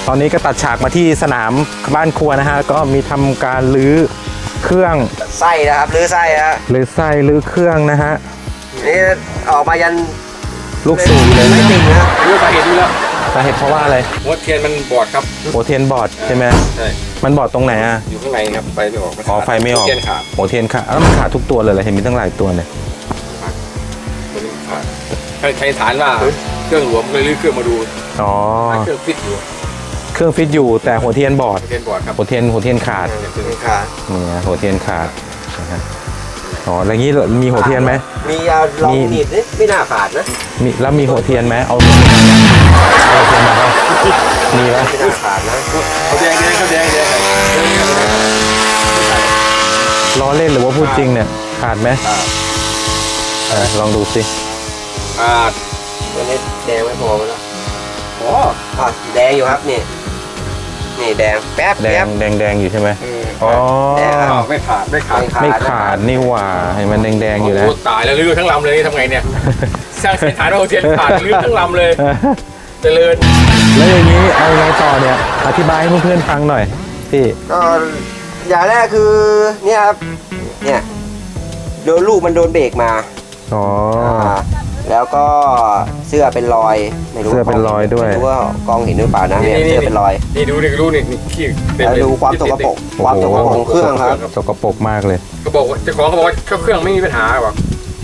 ตอนนี้ก็ตัดฉากมาที่สนามบ้านครัวนะฮะก็มีทำการรื้อเครื่องไส้นะครับรื้อไส้ฮะรื้อไส้รื้อเครื่องนะฮะนี่ออกมายันลูกสูบเลยไม่ติ่งนะรู้สาเหตุดูแล้วสาเหตุเพราะว่าอะไรหัวเทียนมันบอดครับหัวเทียนบอดใช่ไหมใช่มันบอดตรงไหนอ่ะอยู่ข้างในครับไฟไม่ออกอ๋อไฟไม่ออกเทียนขาดหัวเทียนขาดแล้วมันขาดทุกตัวเลยเหรอเห็นมีตั้งหลายตัวเลยใช้ฐานว่าเครื่องหลวมเลยรื้อเครื่องมาดูอ๋อเครื่องฟิตอยู่เครื่องฟิตอยู่แต่หัวเทียนบอดครับหัวเทียนขาดนี่หัวเทียนขาดนะฮะอ๋อแล้วงี้มีหัวเทียนไหมมีลองดีดไม่น่าขาดนะมีแล้วมีหัวเทียนไหมเอาหัวเทียนมาครับมีไหมไม่น่าขาดนะเขาแดงล้อเล่นหรือว่าพูดจริงเนี่ยขาดไหมลองดูสิขาดตัวนี้แดงไม่พอแล้วอ๋อแดงอยู่ครับนี่แดงแป๊บแดงอยู่ใช่ไหมอ๋อไม่ขาดนี่หว่าให้มันแดงอยู่นะตายแล้วรื้อทั้งลำเลยทำไงเนี่ยสร้างฐานหัวเทียนขาดรื้อทั้งลำเลยเจริญแล้วอย่างนี้เอาไงต่อเนี่ยอธิบายให้เพื่อนๆฟังหน่อยพี่ก็อย่างแรกคือเนี่ยครับเนี่ยโดนลูกมันโดนเบรกมาอ๋อแล้วก็เสื้อเป็นรอยไม่รู้เสื้อเป็นรอยด้วยไม่รู้ว่ากองเห็นหรือเปล่านะเนี่ยเสื้อเป็นรอยนี่ดูนี่ขี้แล้วดูความสกปรกของเครื่องครับสกปรกมากเลยเขาบอกเจ้าของเขาบอกว่าเครื่องไม่มีปัญหาหรอก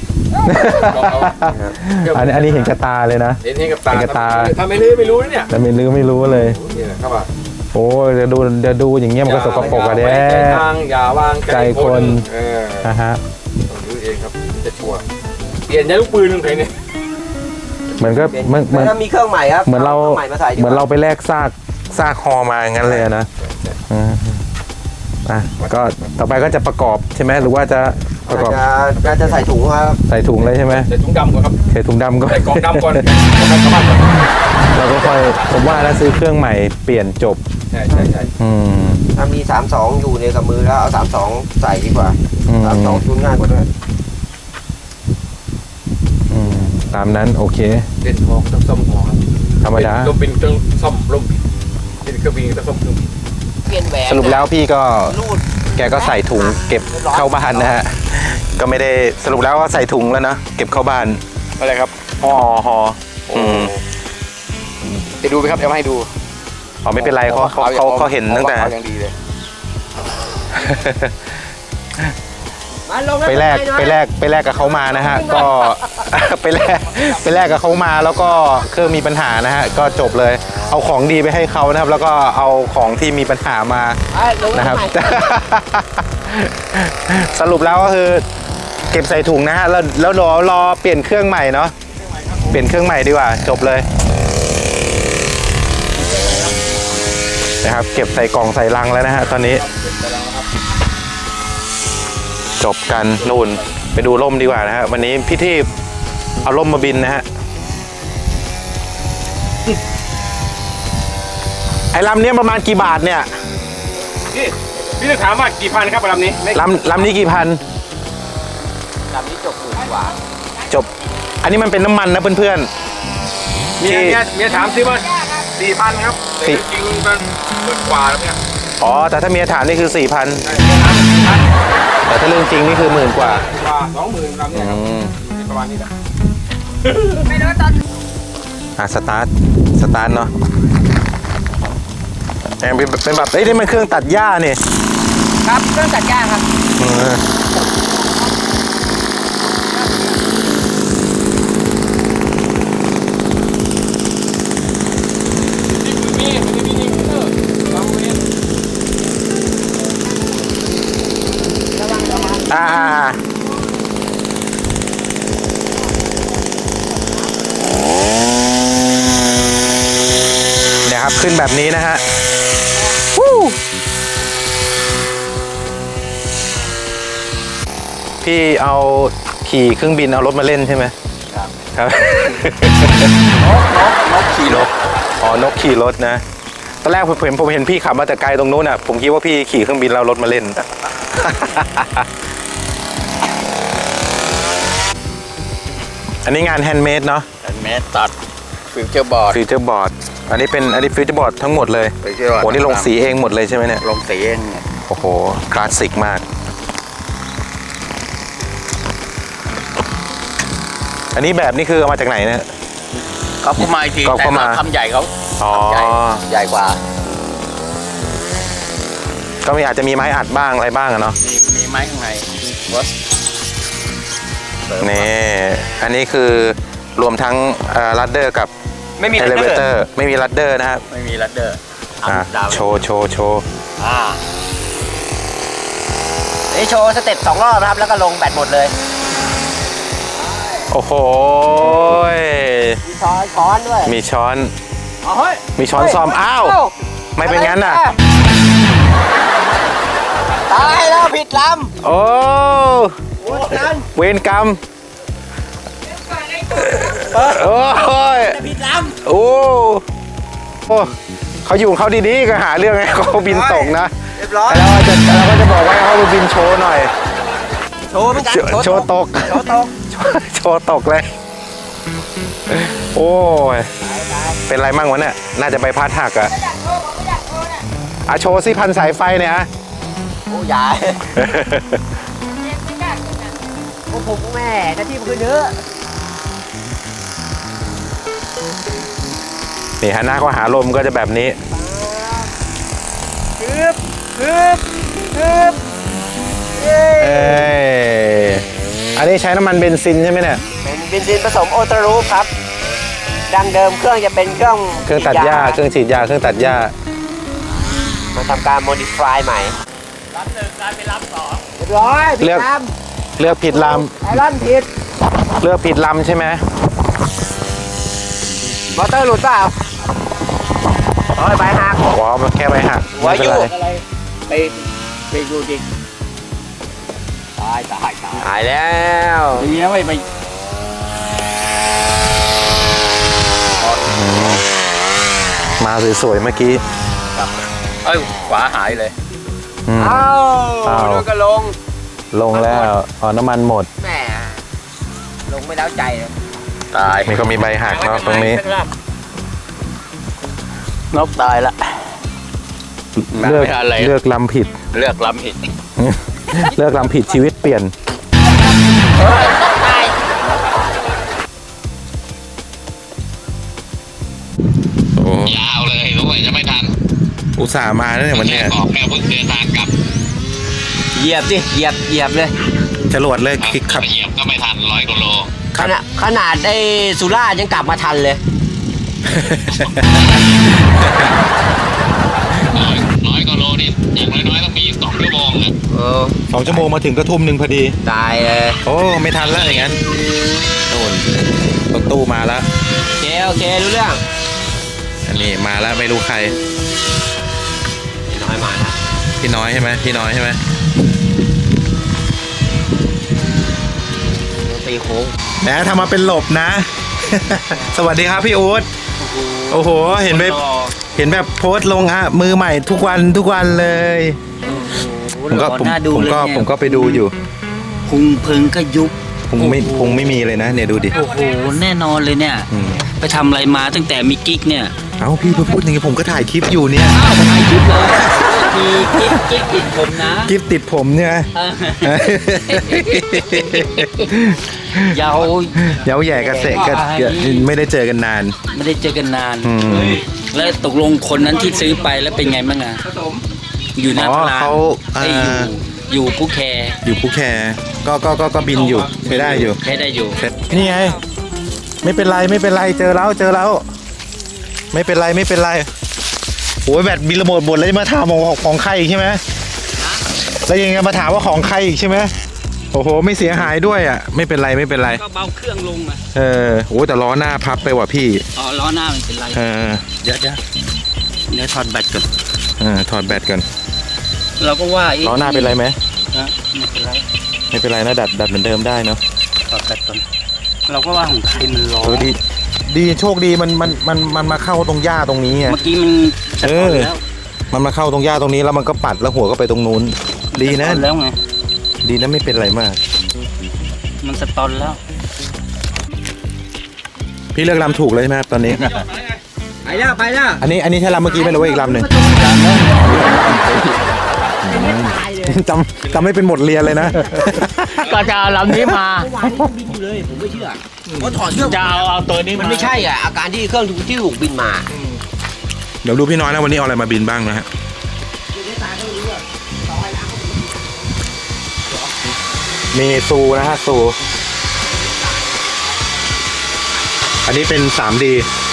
อันนี้เห็นกระตาเลยนะเห็นกับตาทำไม่รู้เนี่ยแต่ไม่รู้เลยครับว่าโอ้จะดูอย่างเงี้ยมันก็สกปรกอะเด้ทางอย่าวางใจคนนะฮะดูเองครับจะชัวร์เปลี่ยนยาลูกปืนลงไปเนี่ยเหมือนก็มีเครื่องใหม่ครับเหมือนเราไปแลกซากคอมาอย่างนั้นเลยนะก็ต่อไปก็จะประกอบใช่ไหมหรือว่าจะประกอบจะใส่ถุงครับใส่ถุงเลยใช่ไหมใส่ถุงดำก่อนครับใส่ถุงดำก่อนใส่กล่องดำก่อนเราก็ค่อยผมว่าแล้วซื้อเครื่องใหม่เปลี่ยนจบใช่ถ้ามี32อยู่ในกับมือแล้วเอา32ใส่ดีกว่า32ชุนง่ายกว่าด้วยตามนั้นโอเคเล่นทองต้องซ่อมทองธรรมดาลมบินต้องซ่อมลมบินเป็นเครื่องบินต้องซ่อมเครื่องบินสรุปแล้วพี่ก็แกก็ใส่ถุงเก็บเข้าบ้านนะฮะก็ไม่ได้สรุปแล้วว่าใส่ถุงแล้วนะเก็บเข้าบ้านอะไรครับห่อจะดูไหมครับเดี๋ยวมาให้ดูอ๋อไม่เป็นไรเขาเห็นตั้งแต่ไปแลกกับเขามานะฮะก็ไปแลกกับเขามาแล้วก็เครื่องมีปัญหานะฮะก็จบเลยเอาของดีไปให้เขานะครับแล้วก็เอาของที่มีปัญหามานะครับสรุปแล้วก็คือเก็บใส่ถุงนะฮะแล้วรอเปลี่ยนเครื่องใหม่เนาะเปลี่ยนเครื่องใหม่ดีกว่าจบเลยนะครับเก็บใส่กล่องใส่ลังแล้วนะฮะตอนนี้จบกันนู่นไปดูร่มดีกว่านะฮะวันนี้พี่ที่เอาร่มมาบินนะฮะไอ้ลำนี้ประมาณกี่บาทเนี่ยพี่จะถามว่ากี่พันครับลำนี้ลำนี้กี่พันลำนี้จบ10,000 กว่าจบอันนี้มันเป็นน้ำมันนะเพื่อนๆเมียถามซิว่า4,000ครับจริงมันกว่าแล้วเนี่ยอ๋อแต่ถ้าเมียถามนี่คือ4,000แต่ถ้าเรื่องจริงนี่คือ10,000 กว่า 20,000ลำเนี่ยประมาณนี้แหละไม่รู้ตอนสตาร์ทเนาะเป็นแบบนี่มันเครื่องตัดหญ้านี่ครับเครื่องตัดหญ้าครับเนี่ยครับขึ้นแบบนี้นะฮะพี่เอาขี่เครื่องบินเอารถมาเล่นใช่ไหมครับนกขี่รถนกขี่รถนะตอนแรกผมเห็นพี่ขับมาแต่ไกลตรงนู้นอ่ะผมคิดว่าพี่ขี่เครื่องบินแล้วรถมาเล่นอันนี้งานแฮนด์เมดเนาะแฮนด์เมดตัดฟิวเจอร์บอร์ดอันนี้ฟิวเจอร์บอร์ดทั้งหมดเลยไปเชื่อว่าโอ้นี่ลงสีเองหมดเลยใช่ไหมเนี่ยลงสีเองเนี่ยโอ้โหคลาสสิกมาก อันนี้แบบนี่คือเอามาจากไหนเนี่ยเขาเข้ามาอีกทีเขาแต่เข้ามาทำใหญ่เขาอ๋อใหญ่กว่าก็มีอาจจะมีไม้อัดบ้างอะไรบ้างอะเนาะมีไม้ข้างในวัดนี่อันนี้คือรวมทั้งลัดเดอร์กับไม่มีเอลัเลดเวเดอเตอร์ร์ไม่มีลัดเดอร์นะครับไม่มีลัดเดอร์โชว์นี่โชว์สเต็ป2 รอบนะครับ แล้วก็ลงแบตหมดเลยโอ้โหมีช้อนด้วยมีช้อนเอาเฮ้ยมีช้อนซ่อมอ้าวไม่เป็นงั้นน่ะตายแล้วผิดลโอ้ำโอ้นั้นเวรกรรมโอ้ยผิดลโอ้เขาอยู่ของเขาดีๆก็หาเรื่องให้เขาบินตกนะำเรียบร้อยแต่เราก็จะบอกว่าให้เขาบินโชว์หน่อยโชว์เหมือนกันโชว์ตกโชว์ตกโชว์ตกเลย โอ้ย เป็นไรมั่งวะเนี่ย น่าจะใบพัดหักอะอ่ะโชว์สิพันสายไฟเนี่ยอะโอ้ยายโอ้ผมแม่หน้าที่มันคือเนื้อนี่ฮะหน้าก็หาลมก็จะแบบนี้คืบเย้เอ้ยอันนี้ใช้น้ำมันเบนซินใช่ไหมเนี่ยเป็นเบนซินผสมโอตารูปครับ ดังเดิมเครื่องจะเป็นเครื่องเครื่องตัดหญ้า เครื่องฉีดยา เครื่องตัดหญ้ามาทำการโมดิฟายใหม่รับหนึ่งกลายเป็นรับสองเรียบร้อยผิดเลือกลเลือกผิดลำไอรอนผิดำเลือกผิดลำใช่ไหมมอเตอร์หลุดเปล่าโอ้ยใบหักว้าวมันแค่ใบหักไม่เป็นไรอะไรไปดูดิตายหายแล้วดีนะไม่ไปมาสวยๆเมื่อกี้เอ้ยขวาหายเลยอืมเอ้าเอ้าดูกระลงลงแล้วอ๋อน้ำมันหมดแหมลงไม่แล้วใจเลยตายนี่ก็มีใบหักเนาะตรงนี้นกตายละเลือกไม่อะไรเลือกลำผิดเลือกลำผิดเลือกลำผิดชีวิตเปลี่ยน โอ้ยาวเลยรู้ว่าจะไม่ทันอุตส่าห์มาแล้วเนี่ยวันเนี้ยออกแค่เพิ่งเดินทางกลับเหยียบดิเหยียบเลยจรวดเลยคลิกขับเหยียบก็ไม่ทัน100กิโลขนาดไอ้สุราษฎร์ยังกลับมาทันเลย 100กิโลนี่อย่างน้อยๆต้องมี2 ชั่วโมงนะ 2 ชั่วโมงมาถึงก็ทุ่มหนึ่งพอดีตายเลยโอ้ไม่ทันแล้วอย่างงั้นโน่นรถตู้มาแล้วโอเครู้เรื่องอันนี้มาแล้วไม่รู้ใครน้อยมานะพี่น้อยใช่ไหมพี่น้อยใช่ไหมตีโค้งแหมทำมาเป็นหลบนะ สวัสดีครับพี่อู๊ดโอ้โหเห็นแบบโพสต์ลงอ่ะมือใหม่ทุกวันเลยผมก็ไปดูอยู่พุงพึงก็ยุบพุงไม่มีเลยนะเนี่ยดูดิโอ้โห แน่นอนเลยเนี่ยอืมไปทำอะไรมาตั้งแต่มีกิ๊กเนี่ยเอ้าพี่พูดอย่างนี้ผมก็ถ่ายคลิปอยู่เนี่ยอ้าวถ่ายคลิปเลยมีกิ๊กติดผมนะคลิปติดผมเนี่ยยาวเย้าแย่กระเสะก็ไม่ได้เจอกันนานไม่ได้เจอกันนานอืมแล้วตกลงคนนั้นที่ซื้อไปแล้วเป็นไงบ้างอะอยู่หน้าอ๋อพลานเขาอยู่ผู้แคร์อยู่ภูแคก็บินอยู่ใช้ได้อยู่ใช้ได้อยู่นี่ไงไม่เป็นไรเจอแล้วไม่เป็นไรโอ้ยแบตบินระเบิดหมดแล้วจะมาถามของใครอีกใช่ไหมแล้วยังไงมาถามว่าของใครอีกใช่ไหมโอ้โหไม่เสียหายด้วยอ่ะไม่เป็นไรก็เบาเครื่องลงอะโอ้แต่ล้อหน้าพับไปว่ะพี่อ๋อล้อหน้ามันเป็นไรเดี๋ยวเดี๋ยวถอดแบตก่อนถอดแบตก่อนเราก็ว่าล้อหน้าเป็นไรไหมนะไม่เป็นไรไม่เป็นไรนะดัดเหมือนเดิมได้เนาะถอดแบตก่อนเราก็ว่าของใครมันร้อนดีโชคดีมันมาเข้าตรงหญ้าตรงนี้ไงเมื่อกี้มันสะท้อนแล้วมันมาเข้าตรงหญ้าตรงนี้แล้วมันก็ปัดแล้วหัวก็ไปตรงนู้นดีนะสตอแล้วไงดีนะไม่เป็นไรมากมันสตอนแล้วพี่เลือกลำถูกเลยใช่ไหมครับตอนนี้อไปแล้วอันนี้ใช่ลำเมื่อกี้ไหมหรือว่าอีกลำหนึ่งจำไม่เป็นหมดเรียนเลยนะก็จะเอาลำนี้มาบินอยู่เลยผมไม่เชื่อเพราะถอดเครื่องจะเอาตัวนี้มันมาไม่ใช่อ่ะอาการที่เครื่องที่ถูกบินมาเดี๋ยวดูพี่น้อยนะวันนี้เอาอะไรมาบินบ้างนะฮะมีซูนะฮะซูอันนี้เป็น 3D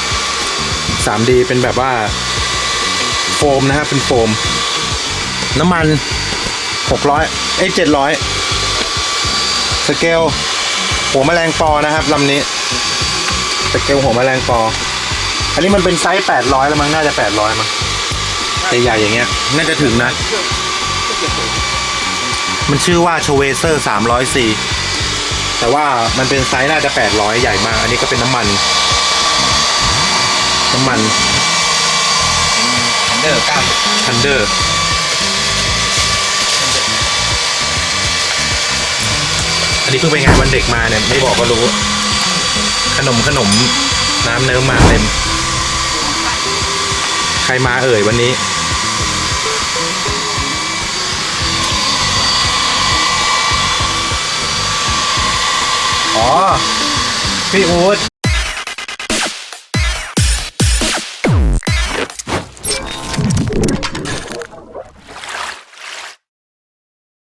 เป็นแบบว่าโฟมนะฮะเป็นโฟมน้ำมัน600700สเกลหัวแมลงปอนะครับลำนี้สเกลหัวแมลงปออันนี้มันเป็นไซส์800แล้วมั้งน่าจะ800มั้งใหญ่ๆอย่างเงี้ยน่าจะถึงนะมันชื่อว่าชเวเซอร์300C แต่ว่ามันเป็นไซส์น่าจะ800ใหญ่มากอันนี้ก็เป็นน้ำมันทันเดอร์อันนี้เพิ่งไปงานวันเด็กมาเนี่ยไม่บอกก็รู้ขนมน้ำเนิ้มมาเต็มใครมาเอ่ยวันนี้อ๋อพี่อู๊ด